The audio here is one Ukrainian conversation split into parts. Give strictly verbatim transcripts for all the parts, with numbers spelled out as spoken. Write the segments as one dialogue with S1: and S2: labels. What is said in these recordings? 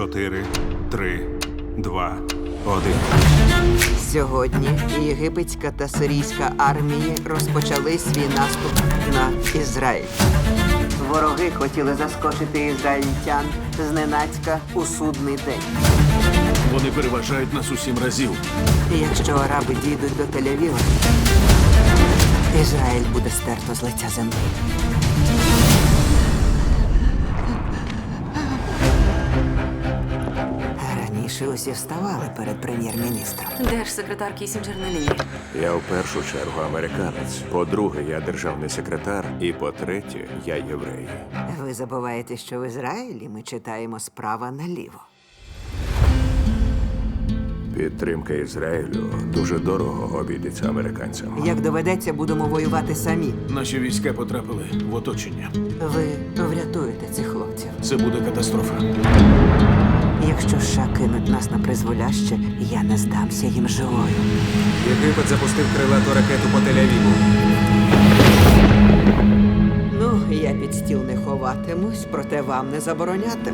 S1: чотири, три, два, один.
S2: Сьогодні єгипетська та сирійська армії розпочали свій наступ на Ізраїль. Вороги хотіли заскочити ізраїльтян зненацька у судний день.
S3: Вони переважають нас у сім разів.
S2: І якщо араби дійдуть до Тель-Авіва, Ізраїль буде стерто з лиця землі. Раніше усі вставали перед прем'єр-міністром.
S4: Держсекретар Кісінджер на лінії.
S5: Я в першу чергу американець. По-друге, я державний секретар. І по-третє, я єврей.
S2: Ви забуваєте, що в Ізраїлі ми читаємо справа наліво.
S5: Підтримка Ізраїлю дуже дорого обійдеться американцям.
S2: Як доведеться, будемо воювати самі.
S3: Наші війська потрапили в оточення.
S2: Ви врятуєте цих хлопців.
S3: Це буде катастрофа.
S2: Якщо США кинуть нас на призволяще, я не здамся їм живою.
S6: Єгипет запустив крилату ракету по Тель-Авіву.
S2: Ну, я під стіл не ховатимусь, проте вам не заборонятиму.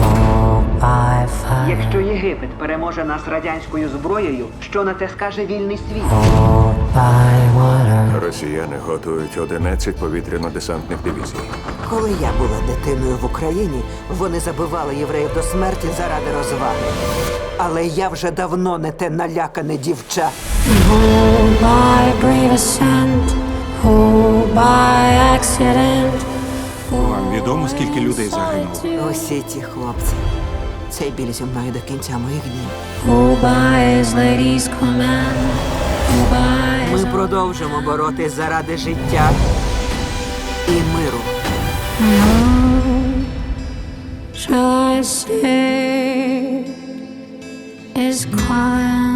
S2: Якщо Єгипет переможе нас радянською зброєю, що на це скаже вільний світ?
S5: Росіяни готують одинадцять повітряно-десантних дивізій.
S2: Коли я була дитиною в Україні, вони забивали євреїв до смерті заради розваги. Але я вже давно не те налякане дівча.
S7: Oh, by brave ascent, oh, by accident.
S1: Вам відомо, скільки людей загинуло?
S2: Усі ті хлопці. Цей біль зі мною до кінця моїх днів.
S7: Oh, by his lady's command, oh, by
S2: Ми
S7: his
S2: продовжимо боротись заради життя і миру.
S7: shall I say is calling.